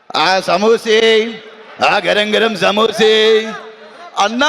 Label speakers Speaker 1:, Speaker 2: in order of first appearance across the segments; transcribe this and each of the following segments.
Speaker 1: ఆ సమోసే, ఆ గరం గరం సమోసే. అన్నా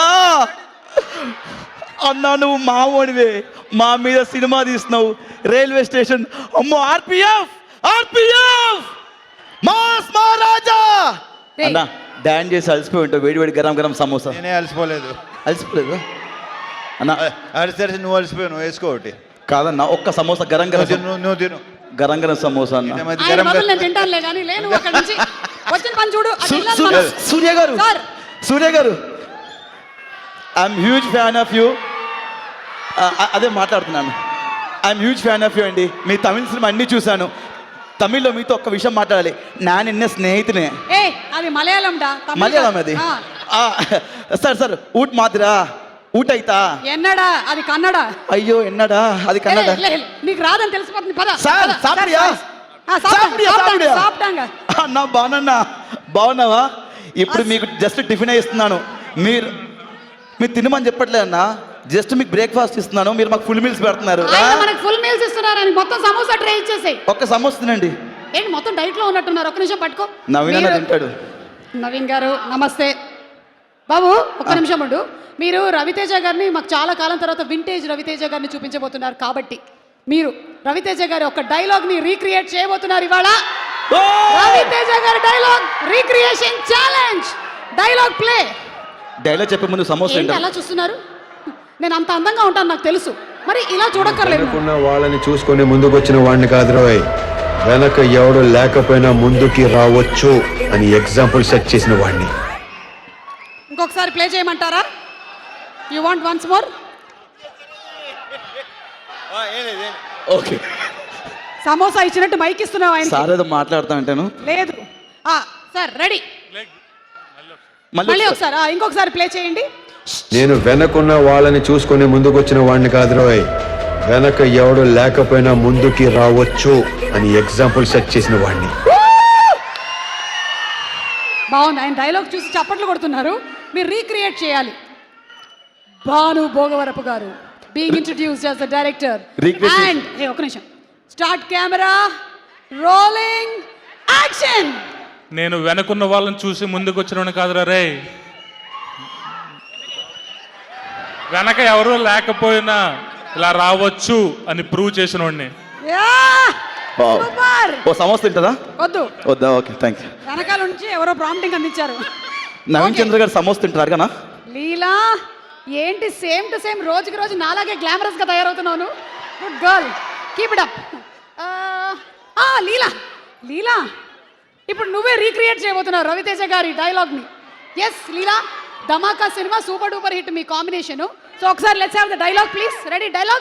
Speaker 1: అన్నా నువ్వు మావోడివే, మా మీద సినిమా తీస్తున్నావు. రైల్వే స్టేషన్ అమ్మో, ఆర్పిఎఫ్ ఆర్పిఎఫ్ మాస్ మహారాజా. అన్నా డాన్స్ చేసి అలసిపోయి ఉంటావు, వేడి వేడి గరం గరం సమోసా.
Speaker 2: నేనే అలసిపోలేదు.
Speaker 1: అలసిపోలేదు అన్నా?
Speaker 2: అలసి నువ్వు అలసిపోయావు, నువ్వు వేసుకో ఒకటి.
Speaker 1: కాదన్నా, ఒక్క సమోసా గరం గరం
Speaker 2: నువ్వు తిను.
Speaker 1: గరం గరం సమోసా అన్న.
Speaker 3: ఆయన బదులు నేను తింటానులే కానీ లేను అక్కడి నుంచి. వచ్చిన పని చూడు.
Speaker 1: సూర్య గారు, సూర్య గారు, I'm huge fan of you. అదే మాట్లాడుతున్నాను. I'm huge fan of you అండి. మీ తమిళ సినిమా అన్నీ చూశాను. తమిళ్లో మీతో ఒక్క విషయం మాట్లాడాలి. నా నిన్న స్నేహితునే.
Speaker 3: అది మలయాళం డా.
Speaker 1: మలయాళం అది. సార్ సార్ ఊట్ మాదిరా ఊట అయితా
Speaker 3: ఎన్నడా అది కన్నడ.
Speaker 1: అయ్యో ఎన్నడా అది కన్నడ.
Speaker 3: నీకు రాదని తెలిసిపోతుంది పద.
Speaker 1: సార్ సాపిడియా అన్నా, బాగున్నా బాగున్నావా? ఇప్పుడు మీకు జస్ట్ టిఫిన్ ఇస్తున్నాను, మీరు తినమని చెప్పట్లే అన్నా. జస్ట్ మీకు బ్రేక్ఫాస్ట్ ఇస్తున్నాను, మీరు మాకు ఫుల్ మీల్స్ పెడుతున్నారు.
Speaker 3: మనకు ఫుల్ మీల్స్ ఇస్తున్నారని మొత్తం సమోసా ట్రే ఇచ్చేసాయి.
Speaker 1: ఒక్క సమోసా తినండి.
Speaker 3: ఏంటి మొత్తం డైట్ లో ఉన్నట్టున్నారు? ఒక్క నిమిషం పట్టుకో.
Speaker 1: నవీన్ అన్న తింటాడు.
Speaker 3: నవీన్ గారు నమస్తే. బాబు ఒక్క నిమిషం ఉండు. మీరు రవితేజ గారిని మాకు చాలా కాలం తర్వాత వింటేజ్ రవితేజ గారిని చూపించబోతున్నారు కాబట్టి మీరు రవితేజ గారి ఒక డైలాగ్ ని రీక్రియేట్ చేయబోతున్నారు ఇవాళ. రవితేజ గారి dialogue recreation challenge. Dialogue play.
Speaker 1: Dialogue చెప్పే ముందు సమోసా
Speaker 3: ఏంటి అలా చూస్తున్నారు? నేను అంత అందంగా ఉంటాను నాకు తెలుసు, మరి ఇలా చూడక్కర్లేదు.
Speaker 4: వాళ్ళని చూసుకొని ముందుకు వచ్చిన వాడిని కాదురోయ్, వెనక ఎవడు లేకపోయినా ముందుకి రావచ్చు అని ఎగ్జాంపుల్ సెట్ చేసిన వాడిని.
Speaker 3: ఇంకొకసారి ప్లే చేయమంటారా? You want once more?
Speaker 1: Okay.
Speaker 3: Samosa ఇచ్చినట్టు మైక్ ఇస్తున్నావు ఆయన.
Speaker 1: సార్ ఏదో మాట్లాడుతా అంటాను.
Speaker 3: లేదు సార్ రెడీ. మళ్ళీ ఒకసారి ఇంకొకసారి ప్లే చేయండి.
Speaker 4: నేను వెనకున్న వాళ్ళని చూసుకొని ముందుకు వచ్చిన వాడిని కాదురోయ్, వెనక ఎవడు లేకపోయినా ముందుకి రావచ్చు అని ఎగ్జాంపుల్ సెట్ చేసిన వాడిని.
Speaker 3: బాగుంది. ఆయన డైలాగ్ చూసి చప్పట్లు కొడుతున్నారు. మీరు రీక్రియేట్ చేయాలి. భాను భోగవరపు గారు being introduced as the director and ఒక నిమిషం స్టార్ట్ కెమెరా రోలింగ్ యాక్షన్.
Speaker 5: నేను వెనకున్న వాళ్ళని చూసి ముందుకు వచ్చిన కాదురా రే, వెనక ఎవరు లేకపోయినా ఇలా రావచ్చు అని ప్రూవ్ చేసిన వాడిని.
Speaker 1: ఓ సమోసా తింటదా?
Speaker 3: వద్దు
Speaker 1: వద్దా? Okay thank you.
Speaker 3: వెనకాల నుంచి ఎవరో ప్రాంప్టింగ్ అందించారు.
Speaker 1: నవీన్ చంద్ర గారు సమోసా తింటారు కదా?
Speaker 3: లీలా ఏంటి సేమ్ టు సేమ్ రోజుకి రోజు నాలాగే గ్లామరస్ గా తయారవుతున్నాను. Good girl, keep it up. Leela Leela ఇప్పుడు నువ్వే రీక్రియేట్ చేయబోతున్నావు రవితేజ గారి డైలాగ్ ని. Yes Leela, Dhamaka cinema super duper hit మీ కాంబినేషన్. సో ఒకసారి let's have the dialogue please. Ready? Dialogue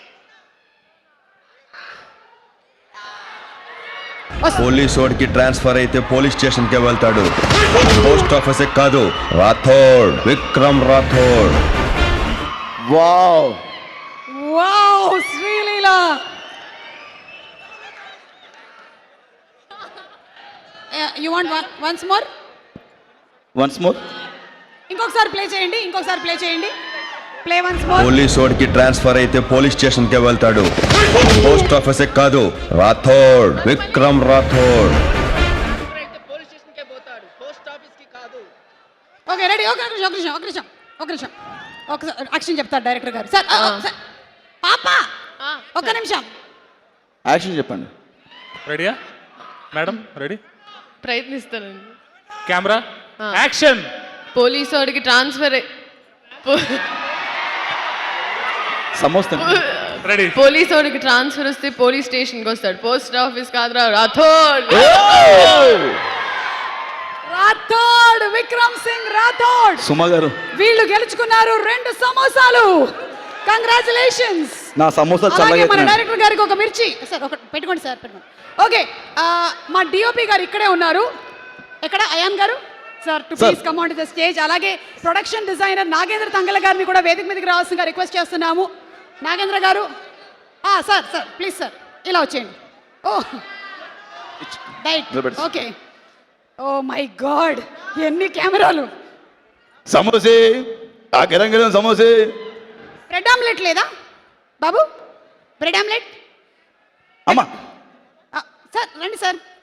Speaker 6: police వాడికి ట్రాన్స్ఫర్ అయితే పోలీస్ స్టేషన్ కే వెళ్తాడు, పోస్ట్ ఆఫీస్ కాదు. Rathod, Vikram Rathod.
Speaker 1: Wow
Speaker 3: wow Sreeleela. You want once more?
Speaker 1: Once more.
Speaker 3: ఇంకొకసారి ప్లే చేయండి. ఇంకొకసారి ప్లే చేయండి. Play once more.
Speaker 6: పోలీస్ వాడికి ట్రాన్స్ఫర్ అయితే పోలీస్ స్టేషన్ కే వెళ్తాడు, పోస్ట్ ఆఫీస్ కాదు. రాథోడ్, విక్రమ్ రాథోడ్.
Speaker 3: Okay ready. ఒక నిమిషం ఒకసారి యాక్షన్ చెప్తారు డైరెక్టర్ గారు. సార్ పాప ఒక నిమిషం
Speaker 1: యాక్షన్ చెప్పండి.
Speaker 5: రెడీయా మేడం? రెడీ?
Speaker 7: ప్రయత్నిస్తానండి.
Speaker 5: Camera action.
Speaker 7: పోలీసు వాడికి ట్రాన్స్ఫర్
Speaker 1: సమోసా
Speaker 5: రెడీ.
Speaker 7: పోలీసు వాడికి ట్రాన్స్ఫర్ వస్తే పోలీస్ స్టేషన్కి వస్తాడు, పోస్ట్ ఆఫీస్ కాదురా. రాథోడ్.
Speaker 3: రాథోడ్, విక్రమ్ సింగ్ రాథోడ్.
Speaker 1: సుమ గారు
Speaker 3: వీళ్ళు గెలుచుకున్నారు 2 సమోసాలు. కంగ్రాచులేషన్స్.
Speaker 1: నా సమోసా
Speaker 3: అలాగే మన
Speaker 1: చల్లగా.
Speaker 3: డైరెక్టర్ గారికి ఒక మిర్చి. సార్ ఒక పెట్టుకోండి సార్, పెట్టుకోండి. ఓకే మా డిఓపి గారు ఇక్కడే ఉన్నారు. ఎక్కడ అయాన్ గారు? Sir to please come on to the stage. అలాగే ప్రొడక్షన్ డిజైనర్ నాగేంద్ర తంగల గారిని కూడా వేదిక మీదకి రావాల్సిందిగా రిక్వెస్ట్ చేస్తున్నాము. నాగేంద్ర గారు సార్ ప్లీజ్ సార్ ఇలా వచ్చేయండి. Right okay. Oh my god, ఎన్ని కెమెరాలు.
Speaker 1: సమోసే, ఆ గరం గరం సమోసే.
Speaker 3: బ్రెడ్ ఆమ్లెట్ లేదా బాబు? బ్రెడ్ ఆమ్లెట్
Speaker 1: అమ్మా.
Speaker 3: సార్ రండి సార్.